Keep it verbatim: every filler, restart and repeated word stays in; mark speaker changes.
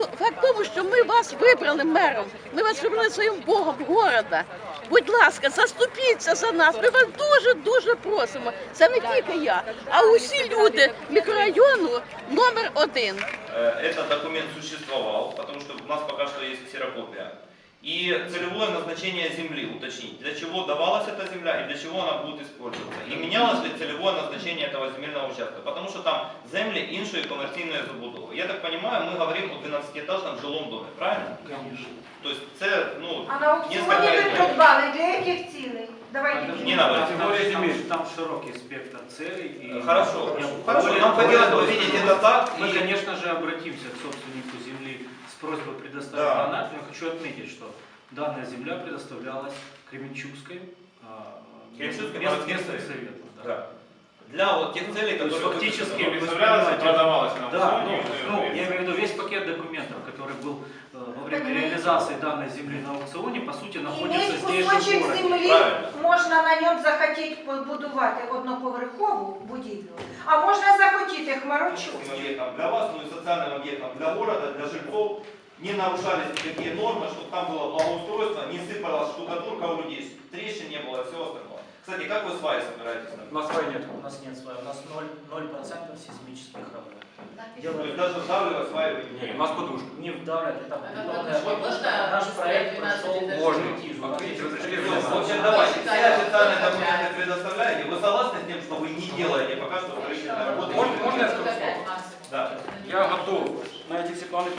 Speaker 1: Факт в тому, що ми вас вибрали мером, ми вас вибрали своїм богом города. Будь ласка, заступіться за нас, ми вас дуже-дуже просимо. Це не тільки я, а усі люди мікрорайону номер один.
Speaker 2: Этот документ существовал, потому что у нас пока что есть ксерокопия. И целевое назначение земли уточнить, для чего давалась эта земля и для чего она будет использоваться. И менялось ли целевое назначение этого земельного участка, потому что там земли іншої комерційної забудови. Я так понимаю, мы говорим о двенадцатиэтажном жилом доме, правильно?
Speaker 3: Конечно.
Speaker 2: То есть це, ну,
Speaker 4: А на аукціоні ви придбали для яких цілей? Давайте.
Speaker 2: Не надо.
Speaker 3: Там, там широкий спектр целей. И
Speaker 2: Хорошо,
Speaker 3: я,
Speaker 2: хорошо.
Speaker 3: более,
Speaker 2: Нам хотелось бы
Speaker 3: более,
Speaker 2: видеть это так.
Speaker 3: Мы,
Speaker 2: И...
Speaker 3: конечно же, обратимся к собственнику земли с просьбой предоставить
Speaker 2: Да.
Speaker 3: донат. Я хочу отметить, что данная земля предоставлялась Кременчугской,
Speaker 2: Кременчугской
Speaker 3: мест,
Speaker 2: городским
Speaker 3: местным
Speaker 2: советом.
Speaker 3: советом. Да.
Speaker 2: Да. Для вот тех целей,
Speaker 3: То есть
Speaker 2: которые...
Speaker 3: фактически
Speaker 5: Выставлялось и продавалось на
Speaker 3: Да,
Speaker 5: аукционе.
Speaker 3: ну, ну, я имею в виду весь пакет документов, который был э, во время реализации данной земли на аукционе, по сути, находится
Speaker 4: Іметь
Speaker 3: здесь же в
Speaker 4: кусочок
Speaker 3: городе.
Speaker 4: землі,
Speaker 2: Правильно.
Speaker 4: можна на ньому захотіти побудувати одноповерхову будівлю, а можна захотіти хмарочу.
Speaker 2: Объектом для вас, ну и социальным объектом для города, для жильцов не нарушались никакие нормы, чтобы там было благоустройство, не сыпалась штукатурка у людей, трещин не было и всего остального. Кстати, как вы сваи собираетесь?
Speaker 6: У нас сваи нет. У нас нет сваи. У нас ноль процентов сейсмических работ.
Speaker 2: То есть даже вдавливать сваи вы не
Speaker 6: У нас подушка. Не вдавливать, это бетонная подушка. Наш проект прошел
Speaker 5: Можно.
Speaker 6: экспертизу.
Speaker 5: Вот видите, разрешили
Speaker 2: В общем, давайте, все официальные документы предоставляете. Вы согласны с тем, что вы не делаете пока что строительные работы?
Speaker 5: Можно, можно я скажу слово?
Speaker 2: Да.
Speaker 5: Я готов на эти все планы